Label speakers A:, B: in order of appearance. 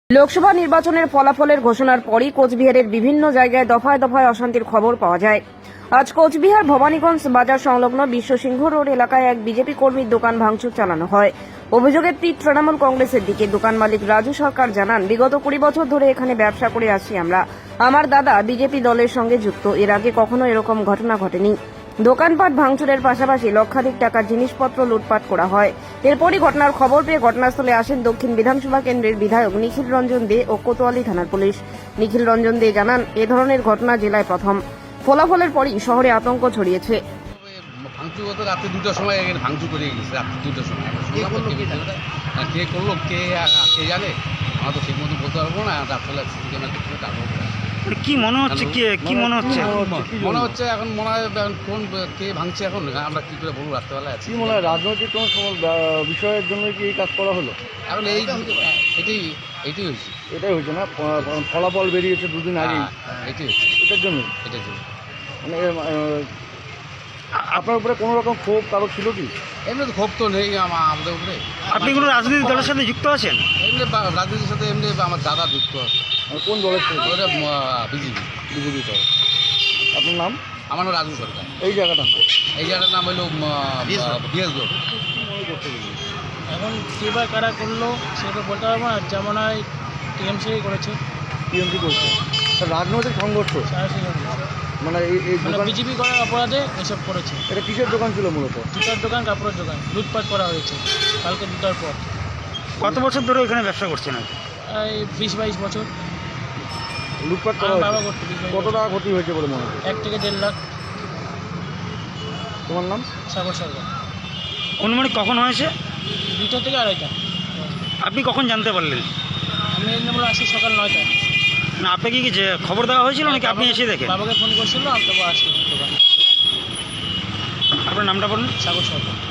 A: লোকসভা নির্বাচনের ফলাফলের ঘোষণার পরই কোচবিহারের বিভিন্ন জায়গায় দফায় দফায় অশান্তির খবর পাওয়া যায়। আজ কোচবিহার ভবানীগঞ্জ বাজার সংলগ্ন বিশ্বসিংহ রোড এলাকায় এক বিজেপি কর্মীর দোকান ভাঙচুর চালানো হয়। অভিযোগের তীর তৃণমূল কংগ্রেসের দিকে। দোকান মালিক রাজু সরকার জানান, বিগত 20 বছর ধরে এখানে ব্যবসা করে আসছি আমরা। আমার দাদা বিজেপি দলের সঙ্গে যুক্ত। এর আগে কখনো এরকম ঘটনা ঘটেনি। দোকানপাট ভাঙচুরের পাশাপাশি লক্ষাধিক টাকার জিনিসপত্র লুটপাট করা হয়। এরপরই ঘটনার খবর পেয়ে ঘটনাস্থলে আসেন দক্ষিণ বিধানসভা কেন্দ্রের বিধায়ক নিখিল রঞ্জন দে ও কোতোয়ালি থানার পুলিশ। নিখিল রঞ্জন দে জানান, এ ধরনের ঘটনা জেলায় প্রথম। ফলাফলের পরই শহরে আতঙ্ক ছড়িয়েছে।
B: ভাঙচুর হতো রাত্রে 2টার সময় ভাঙচুর করে গেছে। রাত্রে 2টার সময় কে করলো কে জানে, আমরা তো ঠিক মতো বলতে পারবো না। রাত্রে সিসি ক্যামেরা দেখতে তারপর
C: কি মনে হচ্ছে, কি মনে হচ্ছে
B: এখন মনে হয় কোন কে ভাঙছে এখন আমরা কি করে বলবো। রাত্রেবেলা আছে
D: কি মনে হয় রাজনৈতিক কোনো বিষয়ের জন্য কি এই কাজ করা হলো?
B: এখন এইটাই হয়েছে।
D: এটাই হয়েছে না, ফলাফল বেরিয়েছে দুদিন আগে,
B: এটাই হচ্ছে।
D: এটার জন্য মানে আপনার উপরে কোনো রকম ক্ষোভ কারো ছিল কি?
B: এমনি তো ক্ষোভ তো নেই আমাদের উপরে।
C: আপনি কোনো রাজনৈতিক দলের সাথে যুক্ত আছেন?
B: এমনি রাজনীতির সাথে এমনি আমার দাদা যুক্ত আছে।
D: কোন দলের সাথে?
B: বিজেপি
D: দল। আপনার নাম?
B: আমার নাম রাজু সরকার।
D: এই জায়গাটার নাম?
B: এই জায়গাটার নাম হলো বিএস রোড।
E: এখন কে বা কারা করলো সেটা বলতে পারবো না। যেমন হয় টিএমসি করেছে,
D: টিএমসি করছে। রাজনৈতিক সংঘর্ষ মানে এই দোকান
E: বিজেপি করার অপরাধে এসব করেছে।
D: এটা কিসের দোকান ছিল মূলত?
E: জুতার দোকান, কাপড়ের দোকান। লুটপাট করা হয়েছে কালকে 2টার পর।
C: কত বছর ধরে এখানে ব্যবসা করছেন?
E: এই 20-22 বছর
D: লুটপাট করা
E: আমার বাবা
D: হয়েছে।
E: করতে। 20-22
D: কত টাকা ক্ষতি হয়েছে বলে মনে হয়?
E: 1 থেকে 1.5 লাখ।
D: তোমার নাম?
E: সাগর সরকার।
C: অনুমানিক কখন হয়েছে?
E: 2টা থেকে 2:30টা।
C: আপনি কখন জানতে পারলেন?
E: আমি এমনি আসি সকাল 9টায়।
C: না, আপনাকে কি যে খবর দেওয়া হয়েছিল নাকি আপনি এসে দেখেন?
E: বাবাকে ফোন করছিল, আমি তো আসছি দোকানে।
C: আপনার নামটা বলুন।
E: সাগর সরকার।